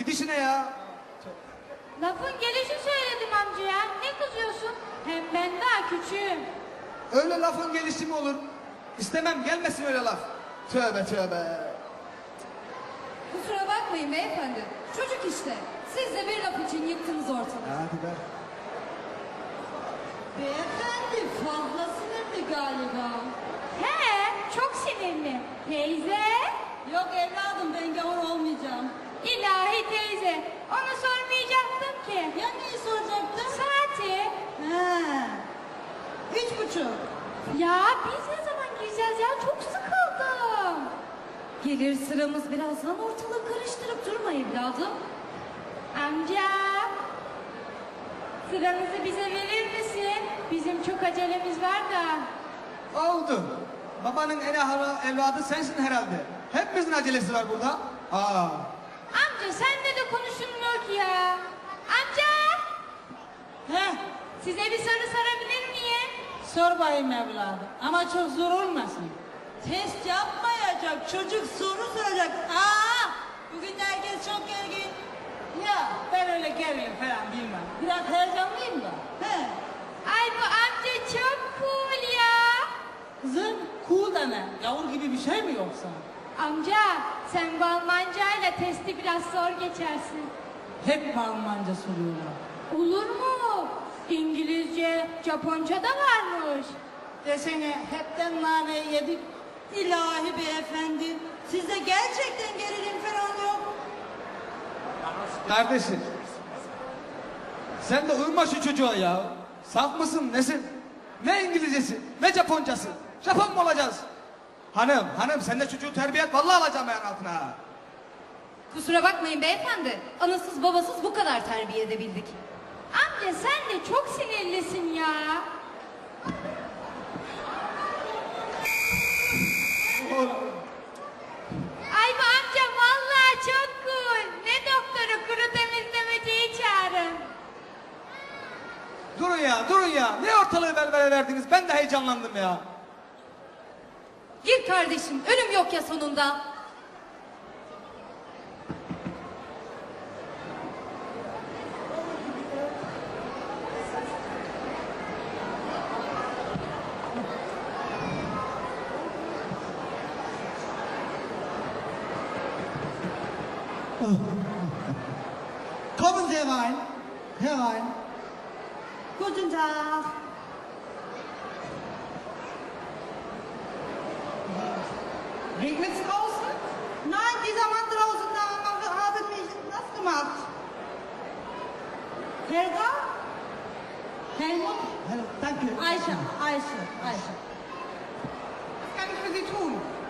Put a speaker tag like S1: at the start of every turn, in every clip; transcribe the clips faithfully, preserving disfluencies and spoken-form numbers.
S1: gidişine ya.
S2: Lafın gelişi söyledim amcaya. Ne kızıyorsun? Hem ben daha küçüğüm.
S1: Öyle lafın gelişi mi olur? İstemem, gelmesin öyle laf. Tövbe tövbe.
S3: Kusura bakmayın beyefendi. Çocuk işte. Siz de bir laf için yıktınız ortalığı.
S1: Hadi be.
S3: Beyefendi fazla sinirli galiba.
S2: He, çok sinirli. Teyze.
S3: Yok evladım ben gavur olmayacağım.
S2: İlahi teyze. Onu sormayacaktım ki.
S3: Ya neyi soracaktın?
S2: Saati.
S3: He. Üç buçuk.
S2: Ya biz ne zaman gireceğiz ya? Çok sıkıldım.
S3: Gelir sıramız birazdan ortalığı karıştırıp durma evladım.
S2: Amca. Sıranızı bize verir misin? Bizim çok acelemiz var da.
S1: Oldu. Babanın en ahara evladı sensin herhalde. Hepimizin acelesi var burada. Aa.
S2: Amca senle de konuşulmuyor ki ya. Amca.
S4: Heh,
S2: Size bir soru sorabilir miyim?
S4: sor bayım evladım. Ama çok zor olmasın. Test yapmayacak, çocuk soru soracak. Aa, bugün herkes çok gergin. Ya ben öyle gergin falan bilmem. Biraz heyecanlıyım da. He.
S2: Ay bu amca çok cool ya.
S4: Kızım, cool da ne? Yavur gibi bir şey mi yoksa?
S2: Amca sen bu Almancayla testi biraz zor geçersin.
S4: Hep mi Almanca soruyorlar?
S2: Olur mu? İngilizce, Japonca da varmış.
S4: Desene hepten naneyi yedik.
S3: İlahi beyefendi. Sizde gerçekten gerilim falan yok.
S1: Kardeşim. Sen de uyma şu çocuğa ya. Saf mısın nesin? Ne İngilizcesi ne Japoncası. Japon mu olacağız? Hanım hanım sen de çocuğu terbiye et. Vallahi alacağım ayağın altına. ha.
S3: Kusura bakmayın beyefendi. Anasız babasız bu kadar terbiye edebildik.
S2: Amca sen de çok sinirlisin ya. Ay bu amca vallahi çok cool. Ne doktoru kuru temizlemeciyi çağırın.
S1: Durun ya durun ya. Ne ortalığı velvele verdiniz? Ben de heyecanlandım ya.
S3: Gir kardeşim ölüm yok ya sonunda.
S5: Kommen Sie rein, herein.
S3: Guten Tag.
S5: Regnet es draußen?
S3: Nein, dieser Mann draußen da haben mich nass gemacht. Helga? Helmut?
S5: Hallo, danke.
S3: Ayşe, Ayşe, Ayşe.
S5: Was kann ich für Sie tun?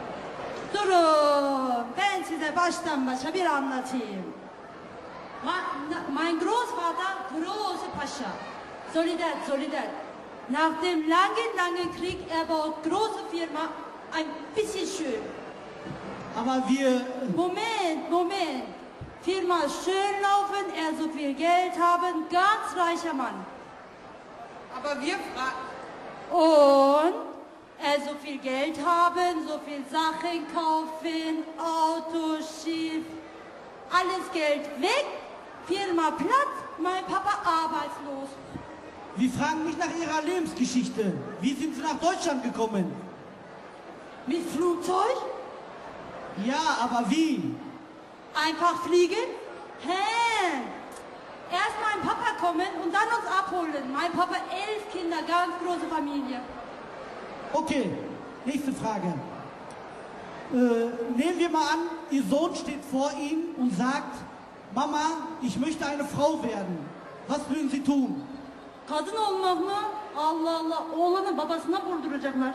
S3: Durun, ben size baştan başa bir anlatayım. Ma- Mein Großvater, große Pascha, Solidar, Solidar. Nach dem langen, langen Krieg erbaut große Firma ein bisschen schön.
S5: Aber wir,
S3: Moment, Moment. Firma schön laufen, er so viel Geld haben, ganz reicher Mann.
S5: aber wir fragen,
S3: Und er so viel Geld haben, so viel Sachen kaufen, Auto, Schiff, alles Geld weg, Firma platt, mein Papa arbeitslos.
S5: wir fragen mich nach Ihrer Lebensgeschichte. Wie sind Sie nach Deutschland gekommen?
S3: Mit Flugzeug?
S5: Ja, aber wie?
S3: Einfach fliegen? Hä? Erst mein Papa kommen und dann uns abholen. Mein Papa elf Kinder, ganz große Familie.
S5: Okay, nächste Frage. Äh, nehmen wir mal an, Ihr Sohn steht vor Ihnen und sagt, Mama, ich möchte eine Frau werden. Was würden Sie tun?
S3: Kadın olmak mı? Allah Allah, oğlanı babasına vurduracaklar.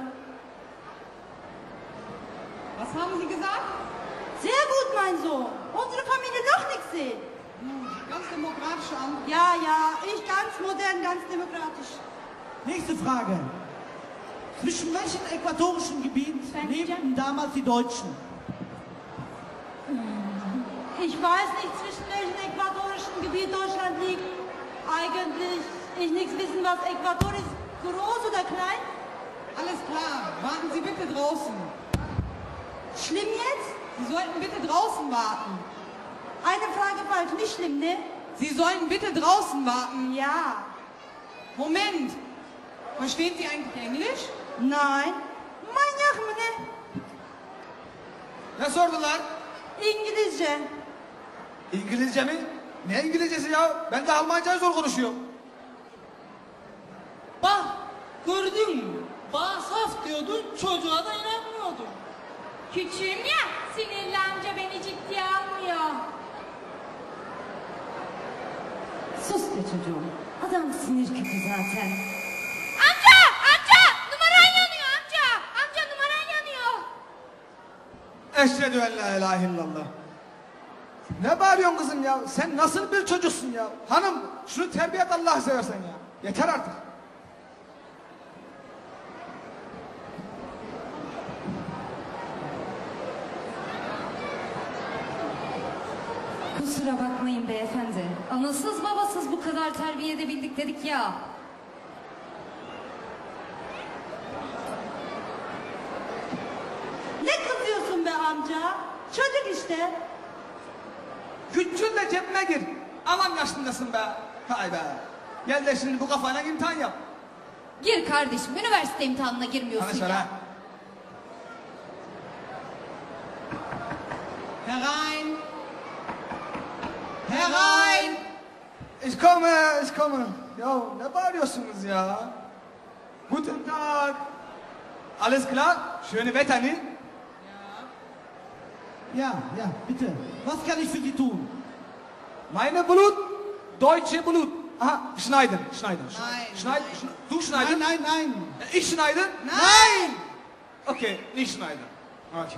S5: Was haben Sie gesagt?
S3: Sehr gut, mein Sohn. Unsere Familie doch nichts sehen.
S5: Ganz demokratisch an.
S3: Ja, ja, ich ganz modern, ganz demokratisch.
S5: Nächste Frage. Zwischen welchem äquatorischen Gebiet
S2: Danke.
S5: lebten damals die Deutschen?
S3: Ich weiß nicht, zwischen welchem äquatorischen Gebiet Deutschland liegt. Eigentlich, ich nichts wissen, was Äquator ist. Groß oder klein?
S6: Alles klar, warten Sie bitte draußen.
S3: Schlimm jetzt?
S6: Sie sollten bitte draußen warten.
S3: Eine Frage halt nicht schlimm, ne?
S6: Sie sollen bitte draußen warten.
S3: Ja.
S6: Moment. Verstehen Sie eigentlich Englisch?
S3: Nein. Manyak mı ne?
S1: Ne sordular?
S3: İngilizce.
S1: İngilizce mi? Ne İngilizcesi ya? Ben de Almancayı zor konuşuyorum.
S4: Bak gördün mü? Bana saf diyordun, çocuğa da inanmıyordun.
S2: Küçüğüm ya, sinirli amca beni ciddiye almıyor.
S3: Sus be çocuğum. Adam sinir küpü zaten.
S2: Amca, amca, numaran yanıyor amca. Amca numaran yanıyor.
S1: Eşhedü en la ilahe illallah. Ne bağırıyorsun kızım ya? Sen nasıl bir çocuksun ya? Hanım şunu terbiye et Allah'ı seversen ya. Yeter artık.
S7: Kusura bakmayın beyefendi. Anasız babasız bu kadar terbiye edebildik dedik ya.
S3: Ne kızıyorsun be amca? Çocuk işte.
S1: Küçül de cebime gir. Aman yaşındasın be. Hay be. Gel de şimdi bu kafayla imtihan yap.
S7: Gir kardeşim, üniversite imtihanına girmiyorsun
S1: Hadi
S7: ya.
S1: söyle.
S6: Herein. Herein.
S1: Ich komme, ich komme. Ya ne bağırıyorsunuz ya? Guten Tag. Alles klar? Schöne Wetter, ne?
S5: Ja, ja, bitte. Was kann ich für Sie tun?
S1: Meine Blut, deutsche Blut. Aha, schneiden, schneiden.
S6: Nein,
S1: Schneiden,
S6: nein.
S1: schne- du schneiden?
S5: Nein, nein, nein.
S1: Ich schneiden?
S6: Nein.
S1: Okay, nicht schneiden. Okay.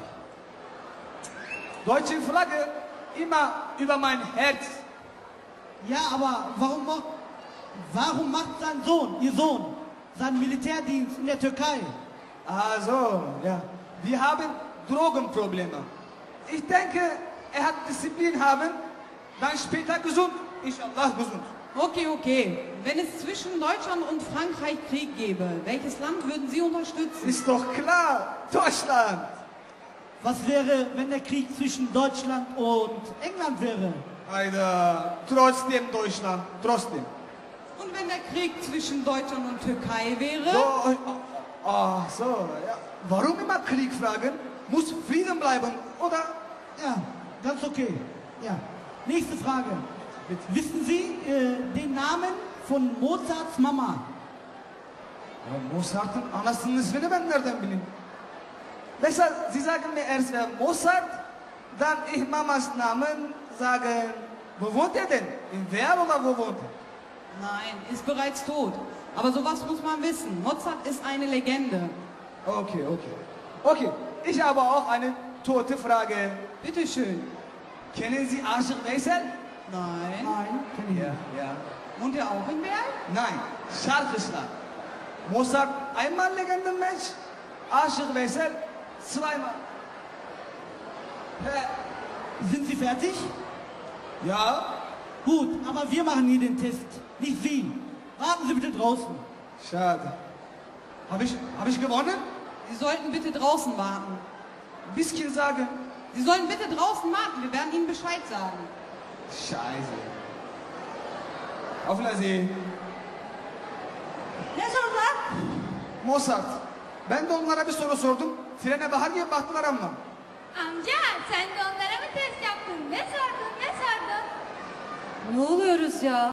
S1: Deutsche Flagge immer über mein Herz.
S5: Ja, aber warum, mo- warum macht sein Sohn, Ihr Sohn, seinen Militärdienst in der Türkei?
S1: Ah so, ja. Wir haben Drogenprobleme. Ich denke, er hat Disziplin haben, dann später gesund. Inshallah gesund.
S6: Okay, okay. Wenn es zwischen Deutschland und Frankreich Krieg gäbe, welches Land würden Sie unterstützen?
S1: Ist doch klar, Deutschland.
S5: Was wäre, wenn der Krieg zwischen Deutschland und England wäre?
S1: Hayda, trotzdem Deutschland, trotzdem.
S6: Und wenn der Krieg zwischen Deutschland und Türkei wäre?
S1: So, ah, so, ja. Warum immer Krieg fragen? Muss Frieden bleiben, oder?
S5: Ja, ganz okay. Ja. Nächste Frage. Wissen Sie äh, den Namen von Mozarts Mama?
S1: Ya Mozart'ın anasının ismini ben nereden bileyim? Mesela Sie sagen mir erst äh, Mozart, dann ich Mamas Namen sagen, wo wohnt er denn? In Wer oder wo wohnt er?
S6: Nein, ist bereits tot. Aber sowas muss man wissen. Mozart ist eine Legende.
S1: Okay, okay. Okay, ich habe auch eine tote Frage.
S6: Bitte schön.
S1: Kennen Sie Aşık Veysel?
S6: Nein.
S5: Nein, kenne ich
S1: Ja,
S5: nicht.
S1: ja.
S6: Wohnt er auch in Bern?
S1: Nein, şarkıcılar. Mozart einmal Legendenmensch, Aşık Veysel zweimal. He,
S5: Sind Sie fertig?
S1: ja,
S5: Gut, aber wir machen hier den Test, nicht Sie. Warten Sie bitte draußen.
S1: schade. Habe ich, hab ich gewonnen?
S6: Sie sollten bitte draußen warten.
S1: Bisschen sagen.
S6: Sie sollen bitte draußen warten. Wir werden Ihnen Bescheid sagen.
S1: Scheiße. Auf Wiedersehen.
S3: Ne sordular?
S1: Mozart. Ben de onlara bir soru sordum. Frene bahar gibi baktılar ama.
S2: Amca, sen de onlara mı test yaptın? Ne sordun, ne sordun?
S7: Ne oluyoruz ya?